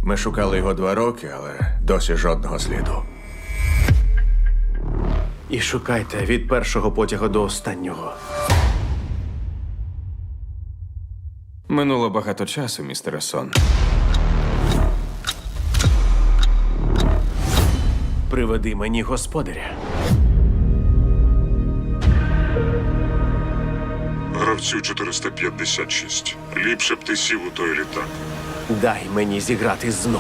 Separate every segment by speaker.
Speaker 1: Ми шукали його 2 роки, але досі жодного сліду.
Speaker 2: І шукайте від першого потягу до останнього.
Speaker 3: Минуло багато часу, містере Сон.
Speaker 2: Приведи мені господаря.
Speaker 4: Гравцю 456. Ліпше б ти сів у той літак.
Speaker 2: Дай мені зіграти знову.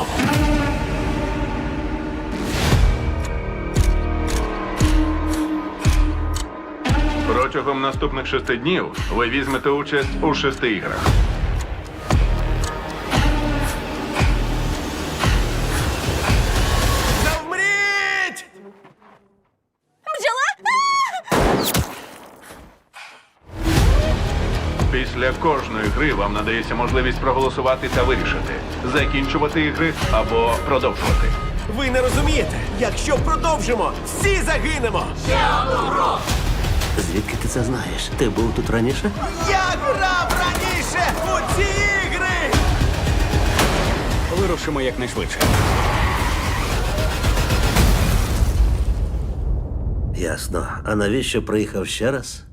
Speaker 5: Протягом наступних 6 днів ви візьмете участь у 6 іграх.
Speaker 2: Завмріть!
Speaker 5: Після кожної гри вам надається можливість проголосувати та вирішити, закінчувати ігри або продовжувати.
Speaker 2: Ви не розумієте, якщо продовжимо, всі загинемо!
Speaker 6: Звідки ти це знаєш? Ти був тут раніше?
Speaker 2: Я грав раніше у ці ігри!
Speaker 3: Вирушимо якнайшвидше.
Speaker 6: Ясно. А навіщо приїхав ще раз?